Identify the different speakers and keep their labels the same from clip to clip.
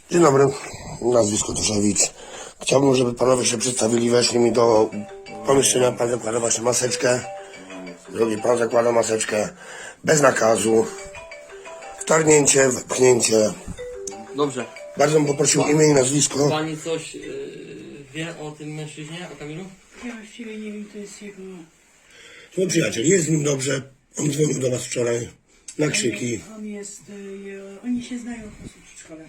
Speaker 1: Dzień dobry, nazwisko Toszewicz. Chciałbym, żeby panowie się przedstawili, weszli mi do pomieszczenia, pan zakłada właśnie maseczkę, drugi pan zakłada maseczkę, bez nakazu, wtargnięcie, wepchnięcie.
Speaker 2: Dobrze.
Speaker 1: Bardzo bym poprosił imię i nazwisko.
Speaker 2: Pani coś wie o tym mężczyźnie, o Kamilu?
Speaker 3: Ja właściwie nie wiem, to jest jego...
Speaker 1: Mój przyjaciel, jest z nim dobrze, on dzwonił do was wczoraj na krzyki.
Speaker 3: On jest... oni się znają po prostu w szkole.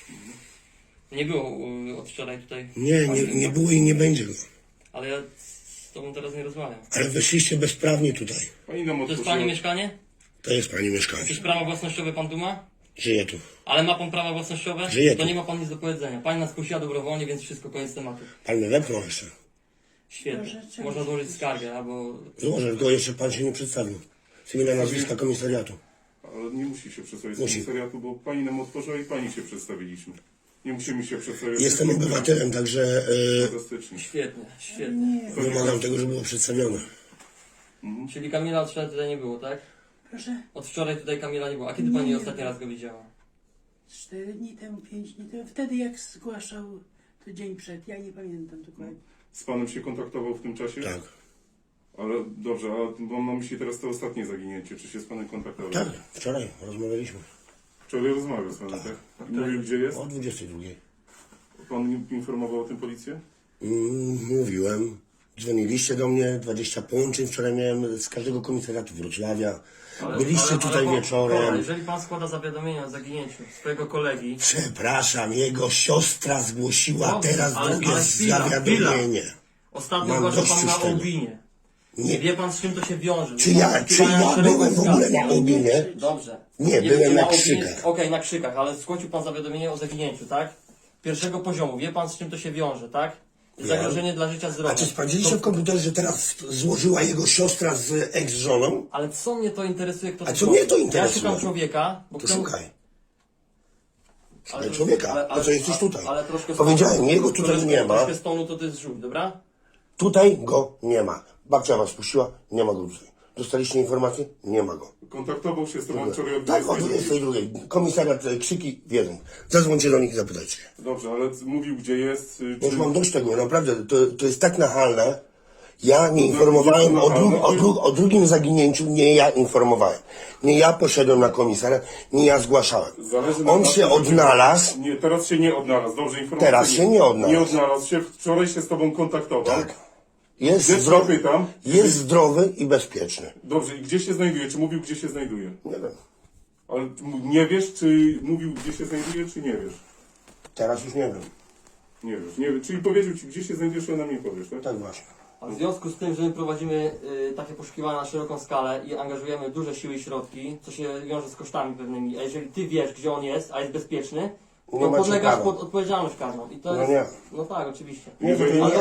Speaker 2: Nie było od wczoraj tutaj.
Speaker 1: Nie było i nie będzie go.
Speaker 2: Ale ja z tobą teraz nie rozmawiam.
Speaker 1: Ale weszliście bezprawnie tutaj.
Speaker 4: Pani nam
Speaker 2: To jest
Speaker 4: otworzyła.
Speaker 2: pani mieszkanie?
Speaker 1: To jest pani mieszkanie.
Speaker 2: Jakieś prawa własnościowe pan tu ma?
Speaker 1: Żyje tu.
Speaker 2: Ale ma pan prawa własnościowe?
Speaker 1: Żyje
Speaker 2: To
Speaker 1: tu.
Speaker 2: nie ma pan nic do powiedzenia. Pani nas prosiła dobrowolnie, więc wszystko, koniec tematu.
Speaker 1: Pan mnie wepchnął jeszcze.
Speaker 2: Świetnie.
Speaker 3: Proszę, czego
Speaker 2: Można
Speaker 3: się
Speaker 2: złożyć
Speaker 3: prosisz?
Speaker 2: skargę, albo...
Speaker 1: Złożę, tylko jeszcze pan się nie przedstawił. Z imienia nazwiska komisariatu.
Speaker 4: Ale nie musi się przedstawić z
Speaker 1: Musi.
Speaker 4: komisariatu, bo pani nam otworzyła i pani się przedstawiliśmy. Nie musimy się przedstawiać.
Speaker 1: Jestem obywatelem, także
Speaker 4: Fantastycznie.
Speaker 2: Świetnie, świetnie.
Speaker 1: wymagam tego, żeby było przedstawione.
Speaker 2: Czyli Kamila od wczoraj tutaj nie było, tak?
Speaker 3: Proszę?
Speaker 2: Od wczoraj tutaj Kamila nie było. A kiedy pani
Speaker 3: Nie.
Speaker 2: ostatni raz go widziała?
Speaker 3: 4 dni temu, 5 dni temu. Wtedy jak zgłaszał, to dzień przed. Ja nie pamiętam dokładnie.
Speaker 4: Z panem się kontaktował w tym czasie?
Speaker 1: Tak.
Speaker 4: Ale dobrze, a mam na myśli teraz to ostatnie zaginięcie. Czy się z panem kontaktował?
Speaker 1: Tak, wczoraj rozmawialiśmy.
Speaker 4: Wczoraj rozmawiał z panem, tak? Mówił, gdzie jest?
Speaker 1: O 22.
Speaker 4: Pan informował o tym policję?
Speaker 1: Mówiłem. Dzwoniliście do mnie, 20 połączeń. Wczoraj miałem z każdego komisariatu Wrocławia. Byliście tutaj wieczorem.
Speaker 2: Jeżeli pan składa zawiadomienie o zaginięciu swojego kolegi,
Speaker 1: Przepraszam, jego siostra zgłosiła
Speaker 2: Dobrze,
Speaker 1: teraz drugie
Speaker 2: chwila,
Speaker 1: zawiadomienie.
Speaker 2: ostatnio
Speaker 1: Mam
Speaker 2: zgłaszał
Speaker 1: dość
Speaker 2: pan
Speaker 1: już
Speaker 2: na
Speaker 1: tego.
Speaker 2: Ołbinie.
Speaker 1: Nie.
Speaker 2: Nie wie pan, z czym to się wiąże.
Speaker 1: Czy ja byłem w ogóle na Ołbinie?
Speaker 2: Dobrze.
Speaker 1: Nie,
Speaker 2: wiecie,
Speaker 1: byłem na
Speaker 2: Ołbinie-
Speaker 1: krzykach.
Speaker 2: Okej, na krzykach, ale zgłosił pan zawiadomienie o zaginięciu, tak? Pierwszego poziomu. Wie pan, z czym to się wiąże, tak? Zagrożenie dla życia, zdrowia.
Speaker 1: A czy sprawdziliście w komputerze, że teraz złożyła jego siostra z ex-żoną?
Speaker 2: Ale co mnie to interesuje, kto
Speaker 1: A
Speaker 2: to
Speaker 1: co
Speaker 2: zrobił?
Speaker 1: mnie to
Speaker 2: Ja
Speaker 1: interesuje?
Speaker 2: szukam człowieka, bo
Speaker 1: To
Speaker 2: kto-
Speaker 1: szukaj.
Speaker 2: ale
Speaker 1: Ale człowieka, po co jesteś tutaj?
Speaker 2: Ale troszkę
Speaker 1: Powiedziałem, jego tutaj nie ma.
Speaker 2: Troszkę stonu to ty zrzuć, dobra?
Speaker 1: Tutaj go nie ma. Babcia was puściła, nie ma go tutaj. Dostaliście informację? Nie ma go.
Speaker 4: Kontaktował się z tobą wczoraj o
Speaker 1: Tak, o
Speaker 4: 22.
Speaker 1: 22. Komisariat krzyki wiedzą. Zadzwońcie do nich i zapytajcie się.
Speaker 4: Dobrze, ale mówił, gdzie jest.
Speaker 1: Bo już mam dość tego, naprawdę. To jest tak nachalne. Ja nie informowałem o drugim zaginięciu, nie ja informowałem. Nie ja poszedłem na komisariat, nie ja zgłaszałem.
Speaker 4: Zależy na
Speaker 1: On
Speaker 4: nas,
Speaker 1: się
Speaker 4: żeby-
Speaker 1: odnalazł.
Speaker 4: Nie, teraz się nie odnalazł. Dobrze, informacja.
Speaker 1: Teraz się nie odnalazł.
Speaker 4: Nie odnalazł się. Wczoraj się z tobą kontaktował.
Speaker 1: Tak. Jest
Speaker 4: Gdzie
Speaker 1: zdrowy,
Speaker 4: pytam?
Speaker 1: jest zdrowy i bezpieczny.
Speaker 4: Dobrze, i gdzie się znajduje? Czy mówił, gdzie się znajduje?
Speaker 1: Nie wiem.
Speaker 4: Ale nie wiesz, czy mówił, gdzie się znajduje, czy nie wiesz?
Speaker 1: Teraz już nie wiem.
Speaker 4: Nie wiesz. Nie, czyli powiedział ci, gdzie się znajdziesz, a nam nie powiesz, tak?
Speaker 1: Tak właśnie.
Speaker 2: A w związku z tym, że my prowadzimy takie poszukiwania na szeroką skalę i angażujemy duże siły i środki, co się wiąże z kosztami pewnymi, a jeżeli ty wiesz, gdzie on jest, a jest bezpieczny,
Speaker 1: Nie
Speaker 2: to
Speaker 1: macie
Speaker 2: podlegasz
Speaker 1: prawa.
Speaker 2: pod odpowiedzialność karną. I to
Speaker 1: No
Speaker 2: jest...
Speaker 1: nie.
Speaker 2: No tak, oczywiście.
Speaker 4: Nie,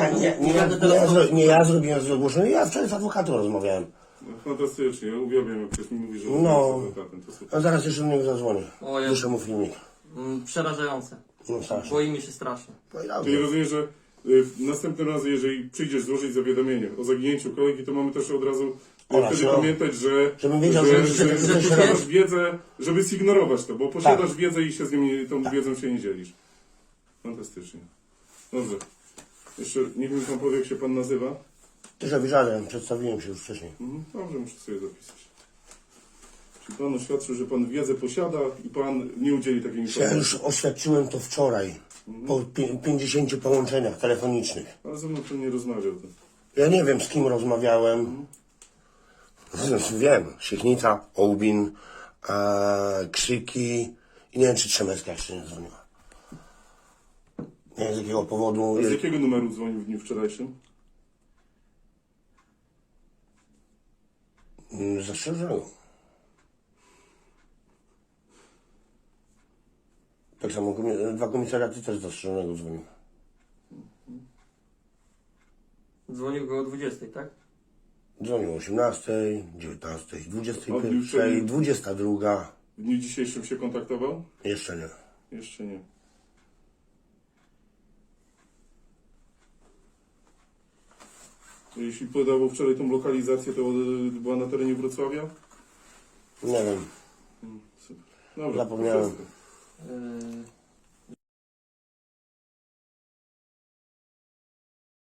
Speaker 1: Nie ja zrobiłem zgłoszenie, ja wczoraj z adwokatem rozmawiałem.
Speaker 4: No, fantastycznie, ja uwielbiam, jak ktoś mi mówi, że
Speaker 1: No.
Speaker 4: jest adwokatem. To super.
Speaker 1: A zaraz jeszcze do niego zadzwonię.
Speaker 2: O Jezu.
Speaker 1: Duszę mu filmik.
Speaker 2: Przerażające.
Speaker 1: No strasznie.
Speaker 2: Boimy się strasznie.
Speaker 1: No i
Speaker 4: Czyli
Speaker 1: dobrze.
Speaker 4: rozumiem, że następnym razem, jeżeli przyjdziesz złożyć zawiadomienie o zaginięciu kolegi, to mamy też od razu
Speaker 1: Oraz,
Speaker 4: wtedy
Speaker 1: no.
Speaker 4: pamiętać, że
Speaker 1: Żebym wiedział, że
Speaker 4: posiadasz wiedzę, żeby zignorować to, bo posiadasz
Speaker 1: Tak.
Speaker 4: wiedzę i się z nim, tą wiedzą się nie dzielisz. Fantastycznie. Dobrze. Jeszcze niech mi pan powie, jak się pan nazywa.
Speaker 1: Też obiżałem, przedstawiłem się już wcześniej.
Speaker 4: Dobrze, muszę sobie zapisać. Czy pan oświadczył, że pan wiedzę posiada i pan nie udzieli takiej
Speaker 1: Ja
Speaker 4: informacji?
Speaker 1: już oświadczyłem to wczoraj. Po 50 połączeniach telefonicznych.
Speaker 4: Ale ze mną pan nie rozmawiał. To.
Speaker 1: Ja nie wiem, z kim rozmawiałem. Wiem, Siechnica, Ołbin, krzyki i nie wiem, czy Trzemecka jeszcze nie dzwoniła. Nie wiem, z jakiego powodu.
Speaker 4: A z jakiego numeru dzwonił w dniu wczorajszym?
Speaker 1: Zastrzeżonego. Tak samo dwa komisariaty też zastrzeżonego dzwoniły.
Speaker 2: Dzwonił go o 20, tak?
Speaker 1: Dzwonił o 18, 19,
Speaker 4: Odbił
Speaker 1: 21, 22.
Speaker 4: W dniu dzisiejszym się kontaktował?
Speaker 1: Jeszcze nie.
Speaker 4: Jeszcze nie. Jeśli podawał wczoraj tą lokalizację, to była na terenie Wrocławia?
Speaker 1: Nie wiem.
Speaker 4: Super. Dobra,
Speaker 1: Zapomniałem.
Speaker 4: wszystko.